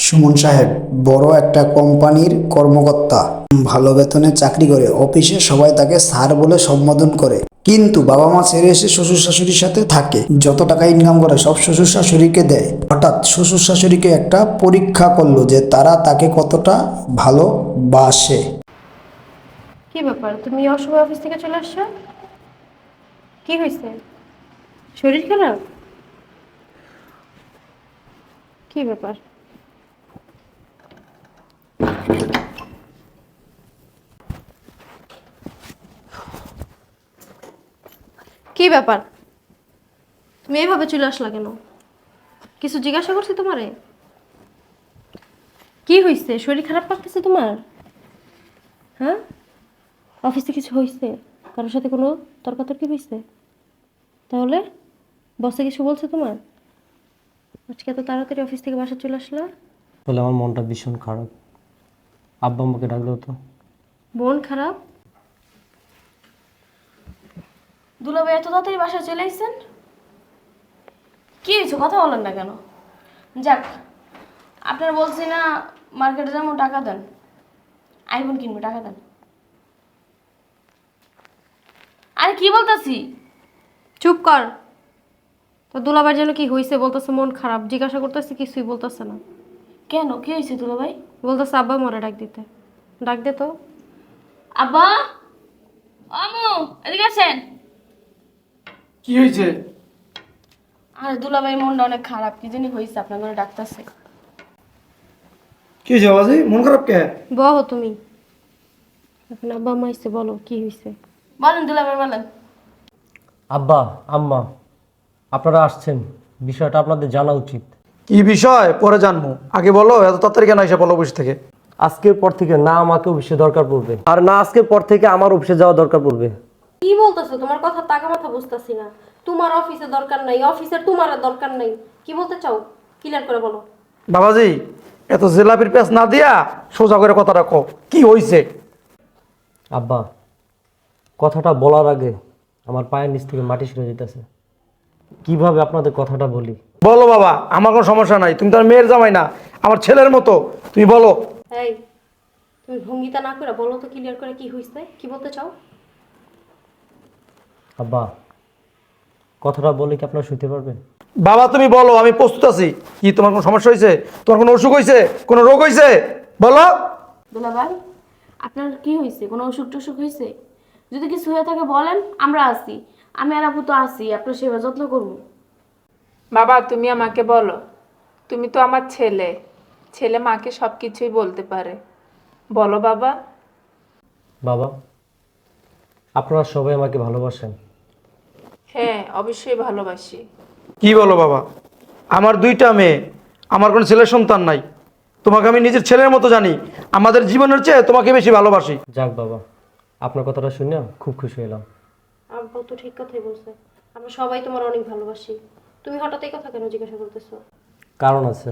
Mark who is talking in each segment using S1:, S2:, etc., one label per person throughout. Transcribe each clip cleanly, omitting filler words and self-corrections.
S1: সুমন সাহেব বড় একটা কোম্পানির কর্মকর্তা, ভালো বেতনে চাকরি করে। অফিসে সবাই তাকে স্যার বলে সম্বোধন করে, কিন্তু বাবা মা ছেড়ে এসে শ্বশুর শাশুড়ির সাথে থাকে। যত টাকা ইনকাম করে সব শ্বশুর শাশুড়িকে দেয়। হঠাৎ শ্বশুর শাশুড়িকে একটা পরীক্ষা করলো যে তারা তাকে কতটা ভালোবাসে।
S2: কি ব্যাপার, তুমি অসময় অফিস থেকে চলে আসছো? কি হয়েছে? শরীর খারাপ? কি ব্যাপার? কি ব্যাপার, তুমি এইভাবে চলে আসলা কেন? কিছু জিজ্ঞাসা করছি তোমারে? কি হয়েছে? শরীর খারাপ লাগতেছে তোমার? হ্যাঁ, অফিসে কিছু হয়েছে? কারোর সাথে কোনো তর্কাতর্কি হয়েছে? তাহলে বসে কিছু বলছে তোমার? আজকে এত তাড়াতাড়ি অফিস থেকে বাসা চলে আসলা?
S3: বলে আমার মনটা ভীষণ খারাপ। আব্বা আম্মাকে ডাক দাও তো।
S2: বোন খারাপ? দুলাভাই এত তাড়াতাড়ি বাসায় চলে আসছেন? কি হয়েছে, কথা বলেন না কেন? যাক, আপনার বলছি না মার্কেটে যাবো, টাকা দেন, আইফোন কিনবো, টাকা দেন। আরে কি বলতেছি, চুপ কর। তো দুলাভাইয়ের জন্য কি হয়েছে বলতেছে? মন খারাপ জিজ্ঞাসা করতেছি, কিছুই বলতেছে না। কেন, কি হয়েছে দুলাভাই? বলতেছে আব্বা মরে ডাক দিতে। ডাক দে তো। আব্বা, আমু, এদিকে আসেন।
S4: কি হয়েছে?
S2: আরে দুলাভাই মনটা অনেক খারাপ, কি জানি হয়েছে, আপনার ঘরে ডাকতেছে।
S4: কি হয়েছে বাবাজি, মন খারাপ কে?
S2: বলো তুমি, এখন আব্বা আম্মা এসে বলো কি হয়েছে। বলেন দুলাভাই বলেন।
S3: আব্বা আম্মা, আপনারা আসছেন, বিষয়টা আপনাদের জানা উচিত।
S4: কি বিষয় পরে জানবো, আগে বলো। এত তাড়াতাড়ি কেন এসে বলো অফিস থেকে?
S3: আজকের পর থেকে না আমাকে অফিসে দরকার পড়বে, আর না আজকের পর থেকে আমার অফিসে যাওয়া দরকার পড়বে।
S2: কি বলতেছো? তোমার কথা টাকা মাথা বুঝতেছি না। তোমার অফিসে দরকার নাই, অফিসের তোমার দরকার নাই। কি বলতে চাও ক্লিয়ার করে বলো।
S4: বাবাজি, এত জেলাপির পেঁচ না দিয়া সোজা করে কথা রাখো, কি হয়েছে?
S3: আব্বা, কথাটা বলার আগে আমার পায়ের নিচ থেকে মাটি সরে যেতেছে। কিভাবে আপনাদের কথাটা বলি?
S4: বলো বাবা, আমার কোনো সমস্যা নাই। তুমি তো আর মেয়ের জামাই না, আমার ছেলের মতো। তুমি বলো।
S2: এই, তুমি ভঙ্গিতা না করে বলো তো ক্লিয়ার করে কি হয়েছে, কি বলতে চাও।
S3: আব্বা, কথাটা বলে কি আপনারা শুনতে পারবেন?
S4: বাবা তুমি বলো, আমি প্রস্তুত আছি। কি তোমার কোনো সমস্যা হয়েছে? তোমার কোনো অসুখ হয়েছে? কোনো রোগ হয়েছে? বলো।
S2: দুলাভাই, আপনার কি হয়েছে? কোনো অসুখ টসুখ হয়েছে? যদি কিছু হয়ে থাকে বলেন, আমরা আছি। আমি আর আপু তো আছি, আপনার সেবা যত্ন করবো।
S5: বাবা তুমি আমাকে বলো, তুমি তো আমার ছেলে, ছেলে মাকে সব কিছুই বলতে পারে। বলো বাবা।
S3: বাবা, আপনারা সবাই আমাকে ভালোবাসেন।
S5: হ্যাঁ, অবশ্যই ভালোবাসি।
S4: কি বলো বাবা? আমার দুইটা মেয়ে, আমার কোনো ছেলের সন্তান নাই। তোমাকে আমি নিজের ছেলের মতো জানি। আমাদের জীবনের চেয়ে তোমাকে বেশি ভালোবাসি।
S3: যাক বাবা, আপনার কথাটা শুনে খুব খুশি হলাম।
S2: আব্বা তো ঠিক কথাই বলছে, আমরা সবাই তোমার অনেক ভালোবাসি। তুমি হঠাৎ এই কথা কেন জিজ্ঞাসা করতেছো?
S3: কারণ আছে।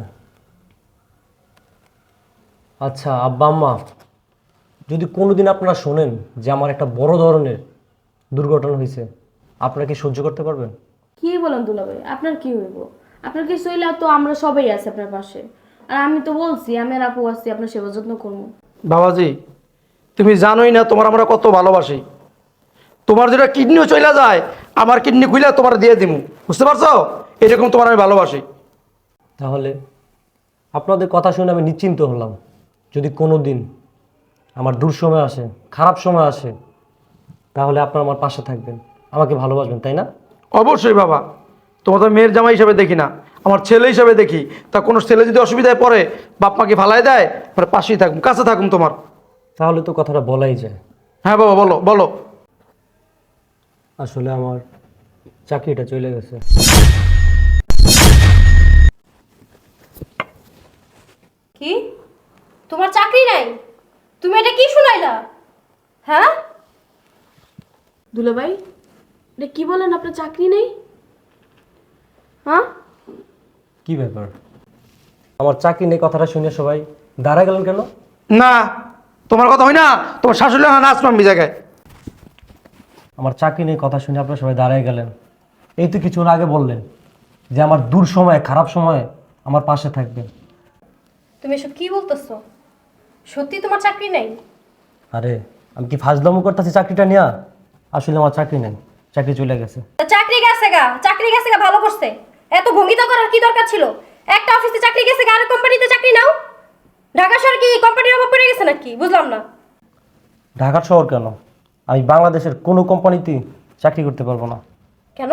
S3: আচ্ছা আব্বা আম্মা, যদি কোনোদিন আপনারা শোনেন যে আমার একটা বড় ধরনের দুর্ঘটনা হয়েছে, আপনারা কি সহ্য করতে পারবেন?
S2: কি বলেন দুলাভাই, আপনার কি হইব? আপনার কিছু হইলে তো আমরা সবাই আছি আপনার পাশে। আর আমি তো বলছি আমি আর আপু আছি, আপনার সেবা যত্ন করবো।
S4: বাবাজি, তুমি জানোই না তোমার আমরা কত ভালোবাসি। তোমার যেটা কিডনিও চলে যায়, আমার কিডনি খুলে তোমার দিয়ে দিমু, বুঝতে পারছো? এরকম তোমার আমি ভালোবাসি।
S3: তাহলে আপনাদের কথা শুনে আমি নিশ্চিন্ত হলাম। যদি কোনো দিন আমার দূর সময় আসে, খারাপ সময় আসে, তাহলে আপনারা আমার পাশে থাকবেন, আমাকে ভালোবাসবেন, তাই না?
S4: অবশ্যই বাবা, তোমার তো মেয়ের জামাই হিসাবে দেখি না, আমার ছেলে হিসাবে দেখি। তা কোনো ছেলে যদি অসুবিধায় পড়ে, বাপ মাকে ফালাই দেয়, মানে পাশেই থাকুম, কাছে থাকুম তোমার।
S3: তাহলে তো কথাটা বলাই যায়।
S4: হ্যাঁ বাবা, বলো বলো।
S3: আসলে আমার চাকরিটা চলে গেছে।
S2: কি, তোমার চাকরি নাই? তুমি এটা কি শুনাইলা? হ্যাঁ দুলাভাই, এটা কি বলেন, আপনার চাকরি নেই? হ্যাঁ,
S3: কি ব্যাপার? আমার চাকরি নেই কথাটা শুনে সবাই দাঁড়ায় গেলেন কেন?
S4: না, তোমার কথা হয় না, তোমার শাশুড়ি না নাচ মানবি জায়গায়।
S3: আমার চাকরি নেই কথা শুনে আপনারা সবাই দাঁড়ায় গেলেন। এই তো কিছুক্ষণ আগে বললেন যে আমার দূর সময়ে, খারাপ সময়ে আমার পাশে থাকবেন।
S2: তুমি এসব কি বলতেছো? সত্যি তোমার চাকরি নেই?
S3: আরে আমি কি ফাজলামো করতেছি চাকরিটা নিয়ে? আসলে আমার চাকরি নেই, চাকরি চলে গেছে।
S2: তা চাকরি গেছে গা, চাকরি গেছে গা, ভালো করছে। এত ভঙ্গিতা করার কি দরকার ছিল? একটা অফিসে চাকরি গেছে গা, আর কোম্পানিতে চাকরি নাও। ঢাকা শহর কি কোম্পানির অভাব পড়ে গেছে নাকি? বুঝলাম না।
S3: ঢাকার শহর কেন, আমি বাংলাদেশের কোনো কোম্পানিতেই চাকরি করতে পারবো না।
S2: কেন?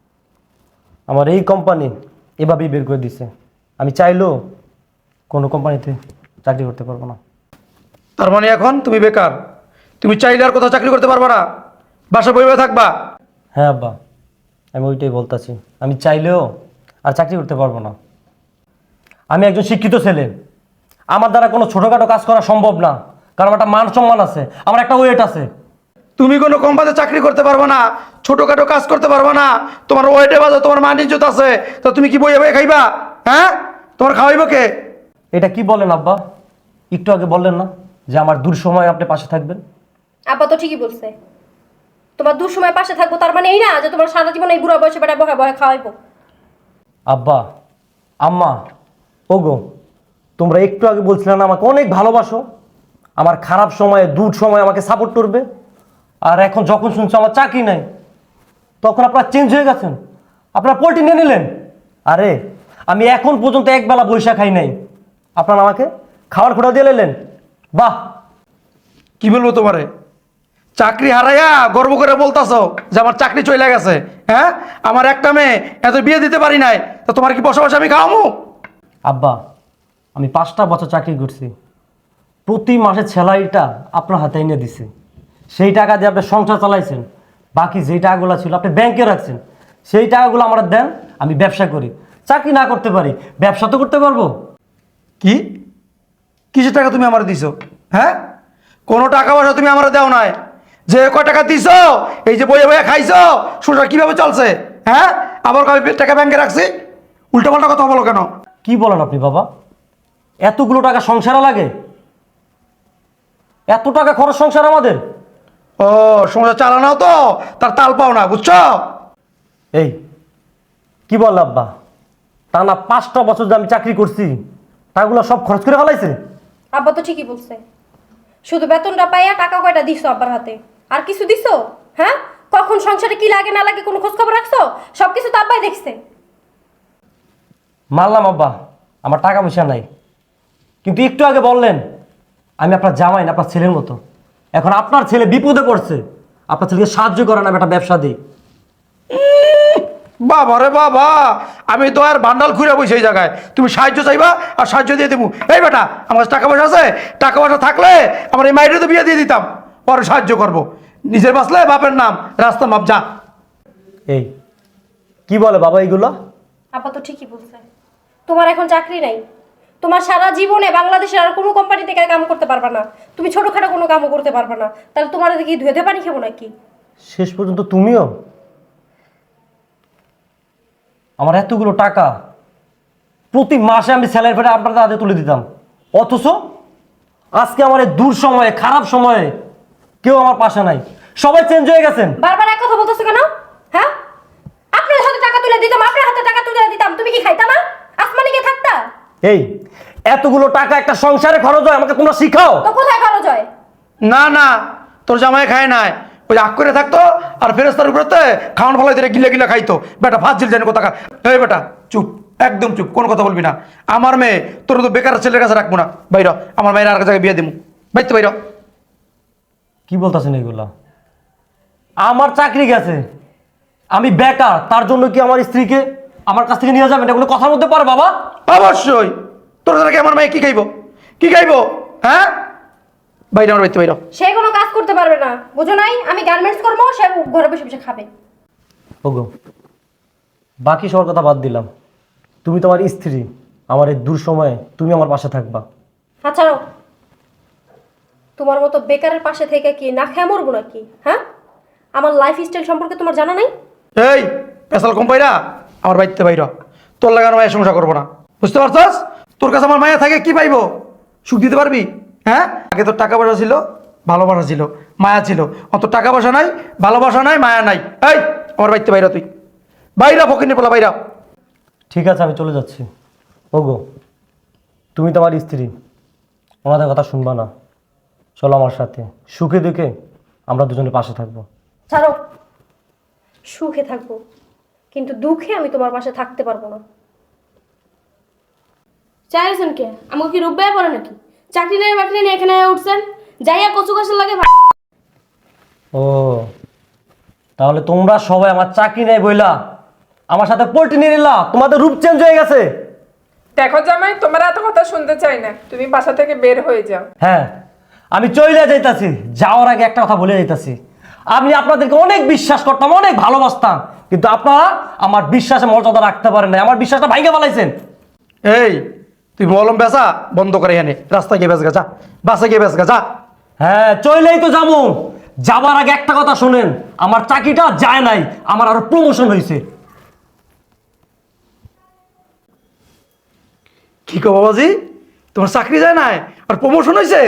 S3: আমার এই কোম্পানি এভাবেই বের করে দিছে, আমি চাইলেও কোনো কোম্পানিতে চাকরি করতে পারবো না।
S4: তার মানে এখন তুমি বেকার, তুমি চাইলে আর কোথাও চাকরি করতে পারবা না, বাসা বইবে থাকবা।
S3: হ্যাঁ আব্বা, আমি ওইটাই বলতেছি, আমি চাইলেও আর চাকরি করতে পারবো না। আমি একজন শিক্ষিত ছেলে, আমার দ্বারা কোনো ছোটোখাটো কাজ করা সম্ভব না, কারণ আমার একটা মান সম্মান আছে, আমার একটা ওয়েট আছে।
S4: তুমি কোনো কোম্পানিতে চাকরি করতে পারবে না, ছোটখাটো কাজ করতে পারবে না, তোমার ওয়েটে বাজে, তোমার মান ইজ্জত আছে, তো তুমি কি বইয়ে বইয়ে খাইবা? হ্যাঁ, তোমার খাওয়াইব কে?
S3: এটা কি বলেন আব্বা? একটু আগে বললেন না যে আমার দূর সময় আপনি পাশে থাকবেন?
S2: আব্বা তো ঠিকই বলছে। তোমার দুঃসময় পাশে থাকবো তার মানে এই না যে তোমার সারা জীবন এই বুড়া বয়সে বেটা বহে বহে খাওয়াইবো।
S3: আব্বা, আম্মা, ওগো, তোমরা একটু আগে বলছিলে না আমাকে অনেক ভালোবাসো, আমার খারাপ সময়ে দূর সময় আমাকে সাপোর্ট করবে, আর এখন যখন শুনছো আমার চাকরি নাই, তখন আপনারা চেঞ্জ হয়ে গেছেন, আপনারা পোল্ট্রি নিয়ে নিলেন। আরে আমি এখন পর্যন্ত একবেলা বৈশা খাই নাই, আপনারা আমাকে খাওয়ার খোটা দিয়ে নিলেন। বাহ!
S4: কি বলবো তোমারে, চাকরি হারাইয়া গর্ব করে বলতাছো যে আমার চাকরি চলে গেছে। হ্যাঁ, আমার একটা মেয়ে এত বিয়ে দিতে পারি নাই, তো তোমার কি বসে বসে আমি খাওয়ামু?
S3: আব্বা, আমি 5টা বছর চাকরি করছি, প্রতি মাসের স্যালারিটা আপনার হাতে এনে দিছে, সেই টাকা দিয়ে আপনি সংসার চালাইছেন, বাকি যেই টাকাগুলো ছিল আপনি ব্যাংকে রাখছেন, সেই টাকাগুলো আমার দেন, আমি ব্যবসা করি। চাকরি না করতে পারি, ব্যবসা তো করতে পারবো।
S4: কি কিসের টাকা তুমি আমার দিছো? হ্যাঁ, কোনো টাকা পয়সা তুমি আমার দেও নাই। যে কয় টাকা দিছো, এই যে বইয়ে বইয়ে খাইছো, সংসার কিভাবে চলছে? হ্যাঁ, আবার কবে টাকা ব্যাংকে রাখছি? উল্টো পাল্টা কথা বলো কেন?
S3: কি বলেন আপনি বাবা? এতগুলো টাকা সংসারে লাগে? এত টাকা খরচ সংসার আমাদের?
S4: ও, সংসার চালানো তো তার তাল পাও না, বুঝছো?
S3: এই কি বল আব্বা, টানা 5টা বছর যে আমি চাকরি করছি, টাকাগুলো সব খরচ করে ফেলাইছে?
S2: আব্বা তো ঠিকই বলছে। শুধু বেতনটা পাইয়া টাকা কয়টা দিছো আব্বার হাতে? আর কিছু দিছো? হ্যাঁ, কখন সংসারে কি লাগে না লাগে কোনো খোঁজ খবর রাখছো? সবকিছু তো আব্বাই দেখছে।
S3: মানলাম আব্বা, আমার টাকা পয়সা নাই, কিন্তু একটু আগে বললেন আমি আপনার জামাই না, আপনার ছেলের মতো। এখন আপনার ছেলে বিপদে পড়ছে, আপনার ছেলেকে সাহায্য করেন, আমি একটা ব্যবসা দিই।
S4: বাবা রে বাবা, আমি তো আর বান্ডাল ঘুরে বসে এই জায়গায়, তুমি সাহায্য চাইবা আর সাহায্য দিয়ে দেবো? এই বেটা, আমার কাছে টাকা পয়সা আছে, টাকা পয়সা থাকলে আমার এই মাইরে তো বিয়ে দিয়ে দিতাম, পরে সাহায্য করবো। নিজের বাঁচলে বাপের নাম, রাস্তা মাপ যা।
S3: এই কি বলে বাবা এইগুলো?
S2: আব্বা তো ঠিকই বলছে। তোমার এখন চাকরি নাই, তোমার সারা জীবনে বাংলাদেশের আর কোনো কোম্পানিতে কাম করতে পারবা না, তুমি ছোটখাটো কোনো কামও করতে পারবা না। তাহলে তোমার কি ধুয়েতে পানি খাবো নাকি?
S3: শেষ পর্যন্ত তুমিও? আমার এতগুলো টাকা প্রতি মাসে আমি স্যালারি পেটে আপনাদের হাতে তুলে দিতাম, অথচ আজকে আমার এই দূর সময়ে খারাপ সময়ে কেউ আমার পাশে নাই, সবাই চেঞ্জ হয়ে গেছেন।
S2: বারবার এক কথা বলতেছো কেন? হ্যাঁ, আপনার হাতে টাকা তুলে দিতাম, আপনার হাতে টাকা তুলে দিতাম, তুমি কি খাইতা না? আসমানি কে থাকতা?
S3: এই এতগুলো টাকা একটা সংসারে খরচ হয়, আমাকে তোমরা শিখাও।
S2: তো কোথায় খরচ হয়?
S4: না না, তোর জামাই খায় নাই, ওই আগ করে থাকতো আর ফেরেস্তার উপরে খাওয়ান ফলাই দিয়ে গিলে গিলে খাইতো। বেটা ফাজিল জানি কোথা। এই বেটা চুপ, একদম চুপ, কোনো কথা বলবি না। আমার মেয়ে তোর তো বেকার ছেলের কাছে রাখবো না, বাইর। আমার মেয়ের আর জায়গায় বিয়ে দিবো, বাইতে বাইর।
S3: কি বলতেছেন এগুলা? আমার চাকরি গেছে, আমি বেকার, তার জন্য কি আমার স্ত্রীকে আমার কাছ থেকে নিয়ে যাবেন? এটা কোনো কথার মধ্যে পারে বাবা?
S4: অবশ্যই, তোর দ্বারা কি আমার মেয়ে কি খাইবো? কি খাইবো? হ্যাঁ, বাইরে আমার বাইতে বাইর।
S2: সে কোনো কাজ করতে পারবে না, বুঝো নাই? আমি গার্মেন্টস করবো, সে ঘরে বসে বসে খাবে।
S3: ওগো, বাকি সবার কথা বাদ দিলাম, তুমি তোমার স্ত্রী, আমার এই দূর সময়ে তুমি আমার পাশে থাকবা।
S2: আচ্ছা, তোমার মতো বেকারের পাশে থেকে কি না খেয়ে মরবো নাকি? হ্যাঁ, আমার লাইফ স্টাইল সম্পর্কে তোমার জানা নাই?
S4: এই পেশাল কম পাইরা আমার বাড়িতে বাইর। তোর লাগানো মায়ের সংসার করবো না, বুঝতে পারছস? তোর কাছে আমার মায়া থাকে কি পাইবো? সুখ দিতে পারবি? হ্যাঁ, আগে তোর টাকা পয়সা ছিল, ভালোবাসা ছিল, মায়া ছিল। অত টাকা পয়সা নাই, ভালোবাসা নাই, মায়া নাই। এই আমার বাড়িতে বাইরা, তুই বাইরা, ফকিনি পোলা বাইরা।
S3: ঠিক আছে, আমি চলে যাচ্ছি। ওগো, তুমি তো আমার স্ত্রী, ওনাদের কথা শুনবা না। চলো আমার সাথে, সুখে দুঃখে আমরা দুজনের পাশে থাকবো।
S2: ছাড়ো, সুখে থাকবো, কিন্তু দুঃখে আমি তোমার পাশে থাকতে পারবো না। চাইছেন কে? আমাকে কি রূপবাই পড়ে নাকি? চাকরি নেই বাকরি নেই এখানে উঠছেন, যাইয়া কচু গাছের লাগে
S3: ও, তাহলে তোমরা সবাই আমার চাকরি নেই বইলা আমার সাথে পোল্ট্রি নিয়ে নিলা, তোমাদের রূপ চেঞ্জ হয়ে গেছে।
S5: দেখো জামাই, তোমার এত কথা শুনতে চাই না, তুমি বাসা থেকে বের হয়ে যাও।
S3: হ্যাঁ, আমি চলে যাইতাছি, যাওয়ার আগে একটা কথা বলে যাইতাছি। আমি আপনাদেরকে অনেক বিশ্বাস করতাম, অনেক ভালোবাসতাম, কিন্তু আপনারা আমার বিশ্বাসে মর্যাদা রাখতে পারেন না, আমার বিশ্বাসটা ভাঙে ফেলাইছেন।
S4: এই তুই মলম বেচা বন্ধ করে এনে রাস্তায় গিয়ে বেচগা, যা বাসে গিয়ে বেচগা, যা।
S3: হ্যাঁ, চলেই তো যাবো। যাবার আগে একটা কথা শোনেন, আমার চাকরিটা যায় নাই, আমার আরো প্রমোশন হয়েছে।
S4: কি কো বাবাজি, তোমার চাকরি যায় নাই আর প্রমোশন হয়েছে?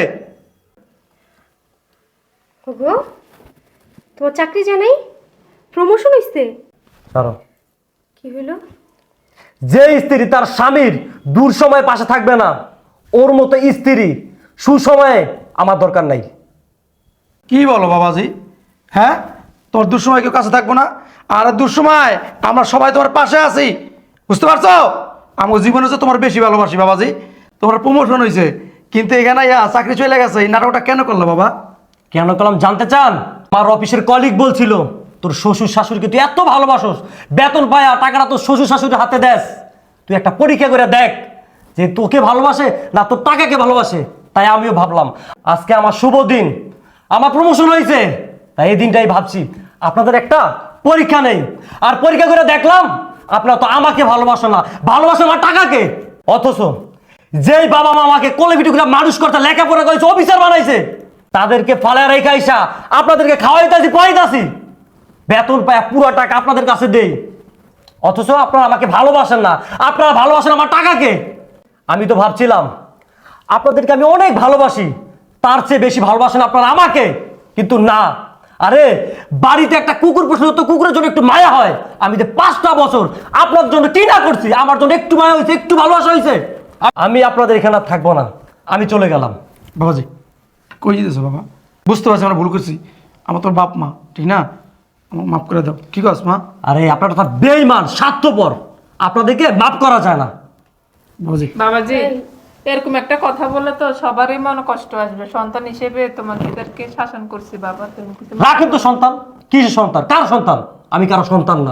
S2: গো, তোমার চাকরি যায় নাই, প্রমোশন হইছে?
S3: কারণ
S2: কি হইলো?
S3: যে স্ত্রী তার স্বামীর দূর সময়ে পাশে থাকবে না, ওর মতো স্ত্রী সুসময়ে আমার দরকার নাই।
S4: কি বলো বাবাজি? হ্যাঁ, তোমার দুঃসময় কেউ কাছে থাকবো না, আর দুঃসময় আমরা সবাই তোমার পাশে আছি, বুঝতে পারছো? আমার জীবনে হচ্ছে তোমার বেশি ভালোবাসি বাবাজি। তোমার প্রমোশন হয়েছে, কিন্তু এখানে চাকরি চলে গেছে, এই নাটকটা কেন করলো বাবা?
S3: কেন করলাম জানতে চান? আমার অফিসের কলিগ বলছিল, তোর শ্বশুর শাশুড়িকে তুই এত ভালোবাসোস, বেতন পায়া টাকাটা তোর শ্বশুর শাশুড়ির হাতে দেস, তুই একটা পরীক্ষা করে দেখ যে তোকে ভালোবাসে না তোর টাকাকে ভালোবাসে। তাই আমিও ভাবলাম আজকে আমার শুভ দিন, আমার প্রমোশন হয়েছে, তাই এই দিনটাই ভাবছি আপনাদের একটা পরীক্ষা নেই। আর পরীক্ষা করে দেখলাম আপনারা তো আমাকে ভালোবাসো না, ভালোবাসো আমার টাকাকে। অথচ যেই বাবা মা আমাকে কোলে পিঠে করে মানুষ করতে, লেখাপড়া করেছে, অফিসার বানাইছে, তাদেরকে ফালা রেখে আইসা আপনাদেরকে খাওয়াইতাছি পড়াইতাছি, বেতন পায় পুরো টাকা আপনাদের কাছে দেই। অথচ আপনারা আমাকে ভালোবাসেন না, আপনারা ভালোবাসেন আমার টাকাকে। আমি তো ভাবছিলাম আপনাদেরকে আমি অনেক ভালোবাসি, তার চেয়ে বেশি ভালোবাসেন আপনারা আমাকে, কিন্তু না। আরে বাড়িতে একটা কুকুর পোষলে তো কুকুরের জন্য একটু মায়া হয়। আমি যে 5টা বছর আপনার জন্য কি না করছি, আমার জন্য একটু মায়া হয়েছে, একটু ভালোবাসা হয়েছে। আমি আপনাদের এখানে আর থাকবো না, আমি চলে গেলাম।
S4: বাবাজি কই যেতেছো বাবা? বুঝতে পারছি আমরা ভুল করছি, আমার তোর বাপ মা, ঠিক না? আমার মাফ করে দাও। কি কস মা?
S3: আরে আপনার কথা বেঈমান, স্বার্থপর, আপনাদেরকে মাফ করা যায় না।
S4: বাবাজি
S5: বাবাজি, এরকম একটা কথা বলে তো সবারই মনে কষ্ট আসবে। সন্তান হিসেবে তোমাদেরকে শাসন করছি বাবা, তুমি কিছু
S3: রাখেন তো সন্তান, কিসের সন্তান, কার সন্তান? আমি কারো সন্তান না।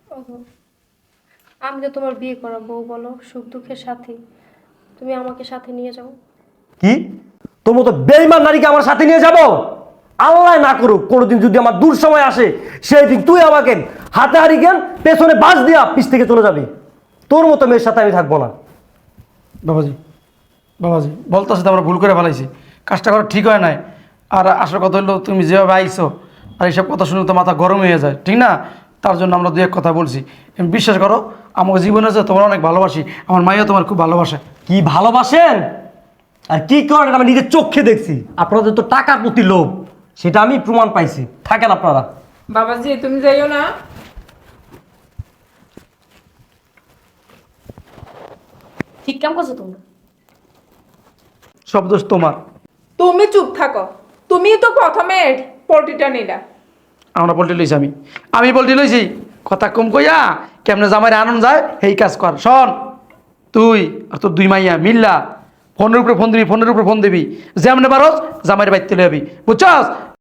S2: আমি তো তোমার বিয়ে করা বউ, বলো, সুখ দুঃখের সাথী, তুমি আমাকে সাথে নিয়ে যাও।
S3: কি তোর মতো বেঈমান নারীকে আমার সাথে নিয়ে যাব? আল্লাহ না করুক কোনোদিন যদি আমার দূর সময় আসে, সেই দিন তুই আমাকে হাতে হারিকেন পেছনে বাস দিয়া পিছ থেকে চলে যাবি। তোর মতো মেয়ের সাথে আমি থাকবো না।
S4: বাবাজি বাবাজি বলতেছে তো আমরা ভুল করে ফেলাইছি, কাজটা করা ঠিক হয় নাই। আর আসল কথা হলো তুমি যেভাবে আইছো, আর এইসব কথা শুনে তো মাথা গরম হয়ে যায়, ঠিক না? তার জন্য আমরা দু এক কথা বলছি। তুমি বিশ্বাস করো, আমার জীবনে আছে তোমার অনেক ভালোবাসি, আমার মাইয়া তোমার খুব ভালোবাসে।
S3: কি ভালোবাসেন আর কি করেন আমি নিজের চোখে দেখছি। আপনাদের তো টাকার প্রতি লোভ, সেটা আমি প্রমাণ পাইছি। থাকেন আপনারা।
S5: বাবাজি তুমি যাইও না।
S2: ঠিক কাম করছো তোমরা।
S4: সব দোষ তোমার।
S5: তুমি চুপ থাকো, তুমি তো প্রথমে পোল্ট্রিটা নিলা।
S4: আমরা পোল্ট্রি লইছি, আমি পোল্ট্রি লইছি। কথা কম কইয়া কেমনে জামাইরে আনন্দ যায় এই কাজ কর। শোন, তুই আর তোর দুই মাইয়া মিল্লা ফোনের উপরে ফোন দিবি, ফোনের উপরে ফোন দিবি, যেমনে পারস জামাইরে বাইতে লইবি, বুঝছস?